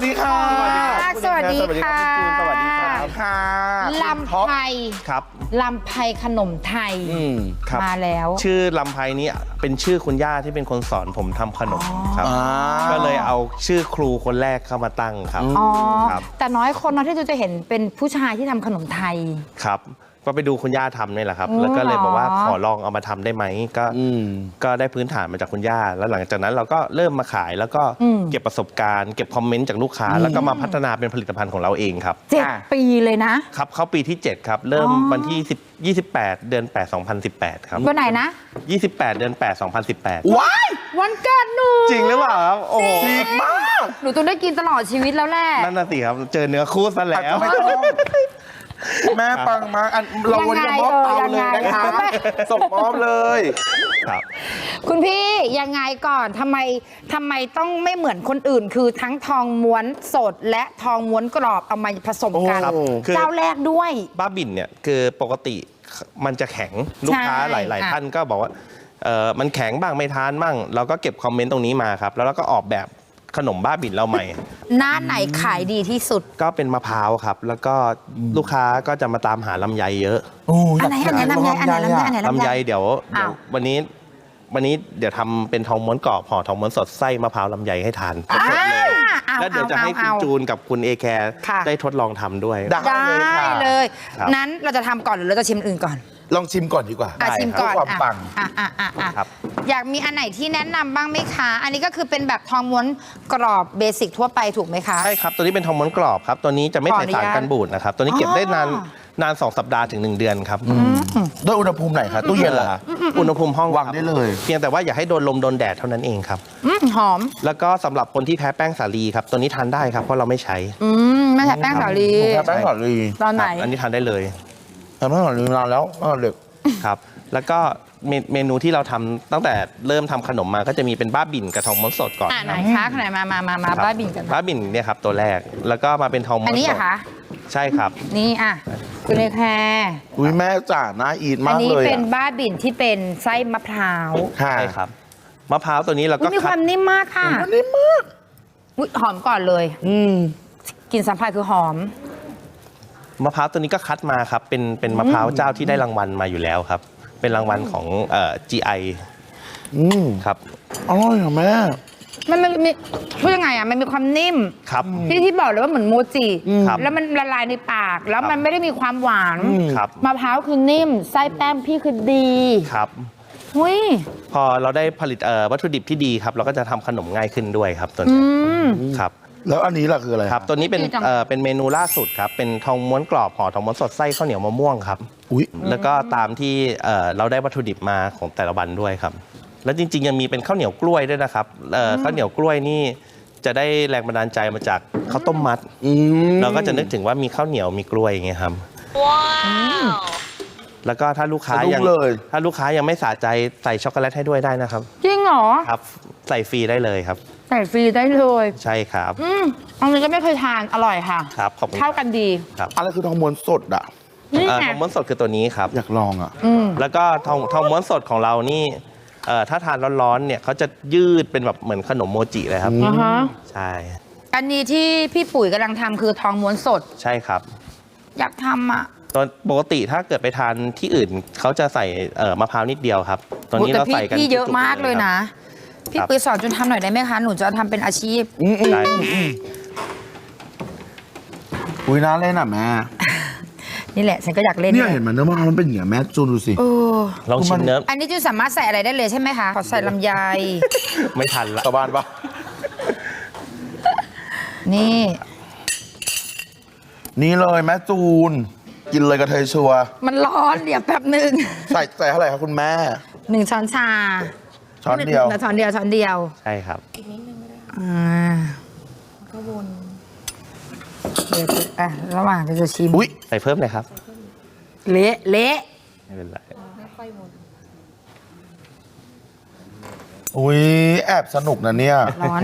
สดีค่ะสวัสดีค่ะสวัสดีครับค่ะลำไพครับลำไพขนมไทยครับมาแล้วชื่อลำไพนี้เป็นชื่อคุณย่าที่เป็นคนสอนผมทำขนมครับก็เลยเอาชื่อครูคนแรกเข้ามาตั้งครับอ๋อครับแต่น้อยคนนะที่จะเห็นเป็นผู้ชายที่ทำขนมไทยครับก็ไปดูคุณย่าทำนี่แหละครับอ๋อแล้วก็เลยบอกว่าเหรอขอลองเอามาทำได้ไหมก็ได้พื้นฐานมาจากคุณย่า แล้วหลังจากนั้นเราก็เริ่มมาขายแล้วก็เก็บประสบการณ์เก็บคอมเมนต์จากลูกค้า แล้วก็มาพัฒนาเป็นผลิตภัณฑ์ของเราเองครับ 7 ปีเลยนะครับเข้าปีที่ 7 ครับ เริ่มวันที่28 เดือน 8 2018 ครับวันไหนนะ 28 เดือน 8 2018 ว้ายวันเกิดหนูจริงหรือเปล่าครับโอ้โหดีมากหนูต้องได้กินตลอดชีวิตแล้วแหละนั่นน่ะสิครับ เจอเนื้อคู่ซะแล้วไม่ต้องแม่ปังมากเราวันนี้มอบเตาเลยนะคะส่งมอบเลยครับคุณพี่ยังไงก่อนทำไมต้องไม่เหมือนคนอื่น คือทั้งทองม้วนสดและทองม้วนกรอบเอามาผสมกันครับคือเจ้าแรกด้วยบ้าบิ่นเนี่ยคือปกติมันจะแข็งลูกค้าใช่หลายค่ะท่านก็บอกว่ามันแข็งบ้างไม่ทานบ้างเราก็เก็บคอมเมนต์ตรงนี้มาครับแล้วเราก็ออกแบบขนมบ้าบิ่นเราใหม่หน้าไหนขายดีที่สุดก็เป็นมะพร้าวครับ แล้วก็ลูกค้าก็จะมาตามหาลำไยเยอะอันไหนลำไยอันไหนลำไยอันไหนลำไยเดี๋ยวอ้าววันนี้เดี๋ยวทำเป็นทองม้วนกรอบห่อทองม้วนสดไส้มะพร้าวลำไยให้ทานสดๆเลยแล้วเดี๋ยวจะให้คุณจูนกับคุณเอแคร์ค่ะได้ทดลองทำด้วยได้ได้เลยครับนั้นเราจะทำก่อนหรือเราจะชิมอื่นก่อนลองชิมก่อนดีกว่าชิมก่อนเพื่อความปังครับอยากมีอันไหนที่แนะนำบ้างไหมคะ อันนี้ก็คือเป็นแบบทองม้วนกรอบเบสิกทั่วไปถูกไหมคะใช่ครับ ตัวนี้เป็นทองม้วนกรอบครับ ตัวนี้จะไม่ใส่สารกันบูดนะครับ ตัวนี้เก็บได้นาน 2 สัปดาห์ถึง 1 เดือนครับด้วยอุณหภูมิไหนคะตู้เย็นเหรอคะอุณหภูมิห้องวางได้เลยเพียงแต่ว่าอย่าให้โดนลมโดนแดดเท่านั้นเองครับหอมแล้วก็สำหรับคนที่แพ้แป้งสาลีครับ ตัวนี้ทานได้ครับเพราะเราไม่ใช้ไม่ใช่แป้งสาลีแป้งหอมลีตอนไหนครับอันนี้ทานได้เลยแป้งหอมลีนานแล้วตั้งแต่เด็กครับ แล้วก็เมนูที่เราทำตั้งแต่เริ่มทำขนมมาก็จะมีเป็นบ้าบิ่นกับทองม้วนสดก่อนไหนคะไหนมาครับบ้าบินกันบ้าบิ่นเนี่ยครับตัวแรก แล้วก็มาเป็นทองม้วนอันนี้สเหรดอคะใช่ครับนี่คุณเลแคร์อุ้ยแม่จ๋าน่าอีทอัมากนี้เลยเป็นอะบ้าบินที่เป็นไส้มะพร้าวค่ะใช่ครับ มะพร้าวตัวนี้เราก็มีคคัวาดมนิ่มมากค่ะนี่มากอุ๊ยหอมก่อนเลยกลิ่นสัมผัสคือหอมมะพร้าวตัวนี้ก็คัดมาครับ เป็นมะพร้าวเจ้าที่ได้รางวัลมาอยู่แล้วครับ เป็นรางวัลของGI ครับอร่อยเหรอแม่มันมีพูดยังไงมันมีความนิ่มครับที่บอกเลยว่าเหมือนโมจิครับแล้วมันละลายในปาก แล้วมันไม่ได้มีความหวานครับมะพร้าวคือนิ่ม ไส้แป้งพี่คือดีครับหุ้ยพอเราได้ผลิตวัตถุดิบที่ดีครับ เราก็จะทำขนมง่ายขึ้นด้วยครับตัวนี้ครับแล้วอันนี้ล่ะคืออะไรครับ ตัวนี้เป็นดีจังเป็นเมนูล่าสุดครับ เป็นทองม้วนกรอบห่อทองม้วนสดไส้ข้าวเหนียวมะม่วงครับอุ้ยแล้วก็ตามที่เราได้วัตถุดิบมาของแต่ละวันด้วยครับ แล้วจริงๆยังมีเป็นข้าวเหนียวกล้วยด้วยนะครับข้าวเหนียวกล้วยนี่จะได้แรงบันดาลใจมาจากข้าวต้มมัด เราก็จะนึกถึงว่ามีข้าวเหนียวมีกล้วยอย่างเงี้ยครับแล้วก็ถ้าลูกค้ายังไม่สะใจใส่ช็อกโกแลตให้ด้วยได้นะครับจริงเหรอครับ ใส่ฟรีได้เลยครับใส่ฟรีได้เลยใช่ครับอันนี้ก็ไม่เคยทานอร่อยค่ะครับขอบคุณเข้ากันดีครับอะไรคือทองม้วนสดอ่ะนี่ทไงองม้วนสดคือตัวนี้ครับอยากลองอ่ะแล้วก็ทองม้วนสดของเรานี่ถ้าทานร้อนๆเนี่ยเขาจะยืดเป็นแบบเหมือนขนมโมจิเลยครับอ่าฮะใช่อันนี้ที่พี่ปุ๋ยกำลังทำคือทองม้วนสดใช่ครับอยากทำอ่ะตอนปกติถ้าเกิดไปทานที่อื่นเขาจะใส่มะพร้าวนิดเดียวครับตอนนี้แต่เราใส่กันพี่เยอะจุกๆมากเลยนะ พี่ครับปุ๋ยสอนจนทำหน่อยได้ไหมคะ หนูจะทำเป็นอาชีพได้อุ้ยน่าเล่นอ่ะแม่นี่แหละฉันก็อยากเล่นเนี่ยเห็นมันเนื้อมะพร้าวมันเป็นอย่างเงี้ยแม่จูนดูสิเออลองชิมเนื้ออันนี้จูนสามารถใส่อะไรได้เลยใช่ไหมคะขอใส่ลำไยไม่ทันละชาวบ้านปะนี่นี่เลยแม่จูน กินเลยกระเทยชัวร์มันร้อนเดี๋ยวแป๊บหนึ่งใส่เท่าไหร่ครับคุณแม่ 1 ช้อนชาช้อนเดียวช้อนเดียวใช่ครับก็วนเดี๋ยวระหว่างจะชิมอุ้ยใส่เพิ่มเลยครับเละไม่เป็นไรอุ้ยแอบสนุกนะเนี่ยร้อน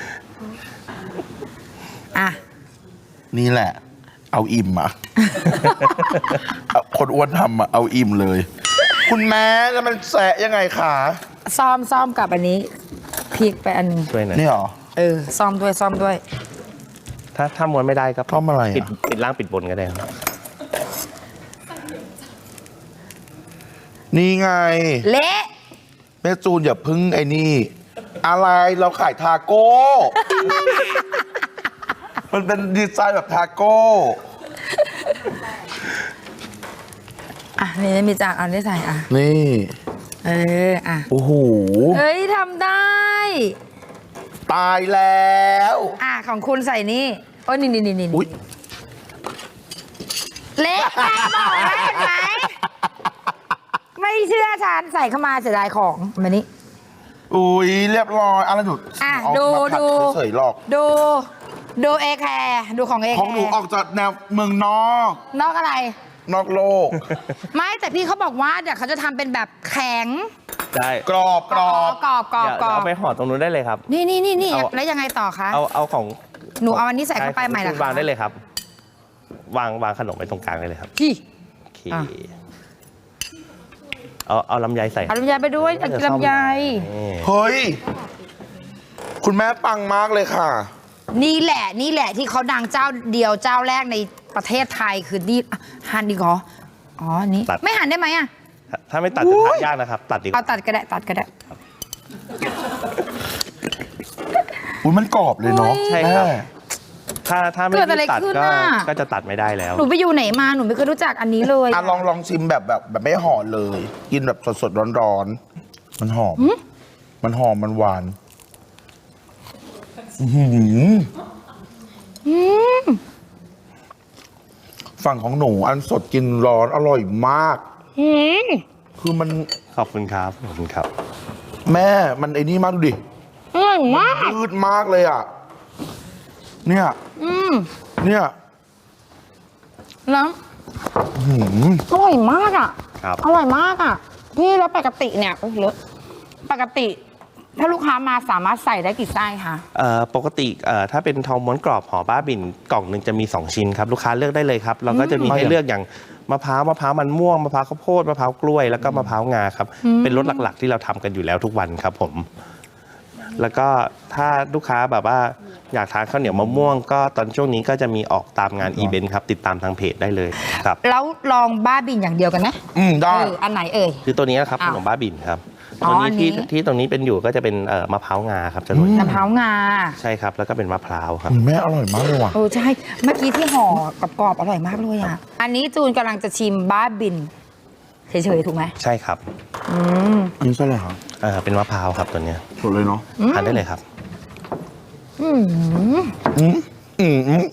อ่ะนี่แหละ เอาอิ่มอ่ะ คนอ้วนทำอ่ะ เอาอิ่มเลย คุณแม่แล้วมันแสะยังไงขาซ่อมกับอันนี้พริกไปอันนึงช่วยหน่อยนี่เหรอซ่อมด้วยถ้าม้วนไม่ได้ก็ทำอะไรอะปิดล่างปิดบนก็ได้ครับนี่ไงเละแม่จูนอย่าพึ่งไอ้นี่ อะไรเราขายทาโก้ มันเป็นดีไซน์แบบทาโก้อ่ะนี่มีจากอันได้ใส่อ่ะนี่อ่ะโอ้โหเอ้ยทำได้ตายแล้วอ่ะของคุณใส่นี่โอ้ยนี่อุ๊ยเละไงบอกแล้วเห็นไหมไม่เชื่อฉันใส่เข้ามาเสียดายของมานี่อุ้ยเรียบร้อยอะไรหนูอ่ะเอาดูมาผัดูเฉยๆหรอกดูเอแคร์ดูของเอแคร์ของหนูออกจากแนวเมืองนอกนอกอะไรนอกโลกไม่แต่พี่เขาบอกว่าเดี๋ยวเขาจะทำเป็นแบบแข็งได้กรอบกรอบกรอบเดี๋ยวเอาไปห่อตรงนู้นได้เลยครับนี่เอาแล้วยังไงต่อคะเอาของหนูเอาอันนี้ใส่เข้าไปใหม่เหรอคะวางได้เลยครับ วางขนมไว้ตรงกลางได้เลยครับพี่โอเคอ่ะเอาลำไยใส่เอาลำไยไปด้วยเอาลำไยนี่เฮ้ย คุณแม่ปังมากเลยค่ะนี่แหละที่เขาดังเจ้าเดียวเจ้าแรกในประเทศไทยคือนี่อ่ะหั่นดีกว่าอ๋ออันนี้ไม่หั่นได้ไหมอ่ะถ้าไม่ตัดจะทานยากนะครับ ตัดดีกเอาว่าตัดก็ได้อุ้ยมันกรอบเลยเนาะใช่ครับแม่ถ้าไม่เกิดอะไรตัดขึ้นก็น่ะก็จะตัดไม่ได้แล้วหนูไปอยู่ไหนมาหนูไม่เคยรู้จักอันนี้เลยอ่ะลองชิมแบบไม่ห่อเลย กินแบบสดๆร้อนๆ มันหอม มันหอมมันหวานอื้อหือฝั่งของหนูอันสดกินร้อนอร่อยมากอืมคือมันขอบคุณครับ ขอบคุณครับแม่มันไอ้นี่มากดูดิอร่อยมากยืดมากเลยอ่ะ เนี่ย เนี่ยแล้วอื้อหืออร่อยมากอ่ะครับอร่อยมากอ่ะพี่แล้วปกติเนี่ยโอ้ยเลอะปกติ ถ้าลูกค้ามาสามารถใส่ได้กี่ไส้คะปกติถ้าเป็นทองม้วนกรอบห่อบ้าบินกล่องหนึ่งจะมี 2 ชิ้นครับ ลูกค้าเลือกได้เลยครับ เราก็จะมีให้เลือกอย่างมะพร้าวมันม่วงมะพร้าวข้าวโพดมะพร้าวกล้วยแล้วก็มะพร้าวงาครับ เป็นรสหลักๆ ที่เราทำกันอยู่แล้วทุกวันครับผม แล้วก็ถ้าลูกค้าแบบว่าอยากทานข้าวเหนียวมะม่วง ก็ตอนช่วงนี้ก็จะมีออกตามงานอีเวนต์ครับ ติดตามทางเพจได้เลยครับแล้วลองบ้าบินอย่างเดียวกันไหมได้อันไหนเอ่ยคือตัวนี้นะครับขอ้าวนมบ้าบินครับอ๋อตัวอันนี้นี้ที่ตรงนี้เป็นอยู่ก็จะเป็นมะพร้าวงาครับจะโรยมะพร้าวงาใช่ครับแล้วก็เป็นมะพร้าวครับคุณแม่อร่อยมากเลยว่ะโอ้ใช่ เมื่อกี้ที่ห่อกรอบๆอร่อยมากเลยอ่ะ อันนี้จูนกำลังจะชิมบ้าบินเฉยๆถูกไหมใช่ครับอันนี้ใช่เลยครับเป็นมะพร้าวครับตัวเนี้ยสดเลยเนาะทานได้เลยครับอืมอืมอื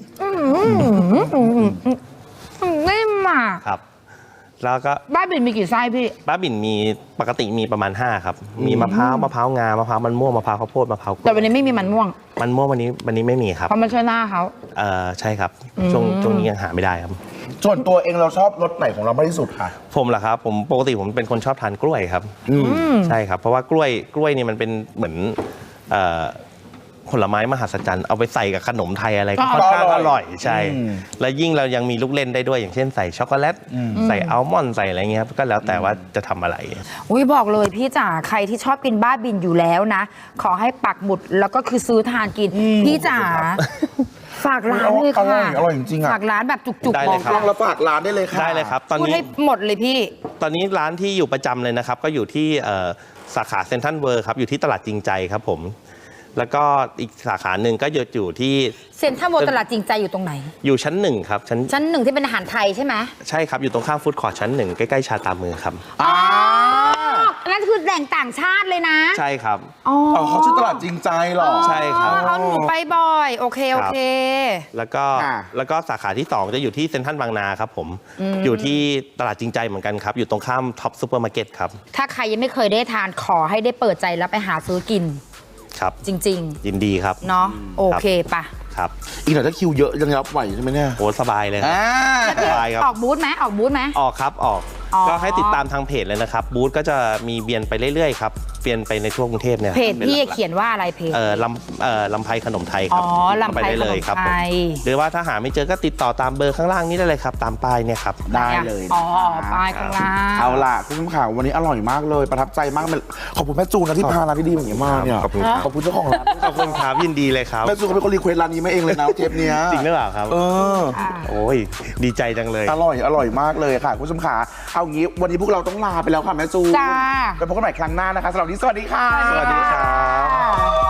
มนิ่มอ่ะครับ แล้วก็บ้าบินมีกี่ไส้พี่บ้าบิ่นมีปกติมีประมาณ 5 ครับ มีมะพร้าวงามะพร้าวมันม่วงมะพร้าวข้าวโพดมะพร้าวกล้แต่วยวันนี้ไม่มีมันม่วงมันม่วงวันนี้ไม่มีครับเพราะมันใช่หน้าเขาใช่ครับช่วงนี้ยังหาไม่ได้ครับส่วนตัวเองเราชอบรสไหนของเรามากที่สุดค่ะผมเหรอครับผมปกติผมเป็นคนชอบทานกล้วยครับใช่ครับเพราะว่ากล้วยนี่มันเป็นเหมือนผลไม้มหัศจรรย์เอาไปใส่กับขนมไทยอะไรก็ค่อนข้างอร่อยใช่ แล้วยิ่งเรายังมีลูกเล่นได้ด้วยอย่างเช่นใส่ช็อกโกแลตใส่อัลมอนด์ใส่อะไรเงี้ยครับก็แล้วแต่ว่าจะทำอะไรอุ้ยบอกเลยพี่จ๋าใครที่ชอบกินบ้าบินอยู่แล้วนะ ขอให้ปักหมุดแล้วก็คือซื้อทานกิน พี่จ๋าฝากร้านเลยค่ะอร่อยจริงๆอะฝากร้านแบบจุกได้ๆเลบอย กครับลองแล้วฝากร้านได้เลยค่ะได้เลยครับ ตอนพูดนี้ให้หมดเลยพี่ตอนนี้ร้านที่อยู่ประจำเลยนะครับ ก็อยู่ที่สาขาเซ็นทรัลเวิลด์ครับอยู่ที่ตลาดจริงใจครับผม แล้วก็อีกสาขาหนึ่งก็อยู่ที่เซ็นทรัลเวิลด์ตลาดจริงใจอยู่ตรงไหนอยู่ชั้น 1ครับชั้นหนึ่งที่เป็นอาหารไทยใช่ไหมใช่ครับอยู่ตรงข้ามฟู้ดคอร์ทชั้น 1ใกล้ๆชาตามือครับอ๋อนั่นคือแหล่งต่างชาติเลยนะใช่ครับอ๋ออ๋อเขาชื่อตลาดจริงใจเหรอใช่ครับเอาหนูไปบ่อย โอเค โอเคแล้วก็อ่าแล้วก็สาขาที่ 2 จะอยู่ที่เซ็นทรัลบางนาครับผมอยู่ที่ตลาดจริงใจเหมือนกันครับอยู่ตรงข้ามท็อปซูเปอร์มาร์เก็ตครับถ้าใครยังไม่เคยได้ทานขอให้ได้เปิดใจแล้วไปหาซื้อกินครับจริงยินดีครับๆ เนาะโอเคปะครับอีกหน่อยถ้าคิวเยอะยังรับไหวใช่ไหมเนี่ยโหสบายเลยครับ สบายครับออกบูธไหมออกบูธไหมออกครับออกอ๋อก็ให้ติดตามทางเพจเลยนะครับบูธก็จะมีเวียนไปเรื่อยๆครับฟวียนไปในทั่วกรุงเทพเนี่ยเพจป็นพี่หลักๆเขียนว่าอะไรเพจลำไพขนมไทยครับอ๋อลำไพเข้าปด้เลยครับขนมไทยผมหรือว่าถ้าหาไม่เจอก็ติดต่อตามเบอร์ข้างล่างนี้ได้เลยครับ ตามป้ายเนี่ยครับได้เลยอ๋อป้ายข้างล่างเอาล่ะคุณผู้ชมข่าววันนี้อร่อยมากเลยประทับใจมากขอบคุณแม่จูนนะที่พาร้านดีๆอย่างนี้มาเนี่ยขอบคุณครับขอบคุณเจ้าของร้านขอบคุณครับยินดีเลยครับแม่จูนเขาเป็นคนรีเควสร้านนี้มาเองเลยนะเทปเนี้ยจริงหรือเปล่าครับเออโอ้ยดีใจจังเลยอร่อยมากเลยค่ะคุณผู้ชมขาเอางี้วันนี้พวกเราต้องลาไปแล้วค่ะแม่จูนจ้าไปพบกันใหม่ครั้งหน้านะคะสำหรับวันนี้สวัสดีค่ะสวัสดีครับค่ะ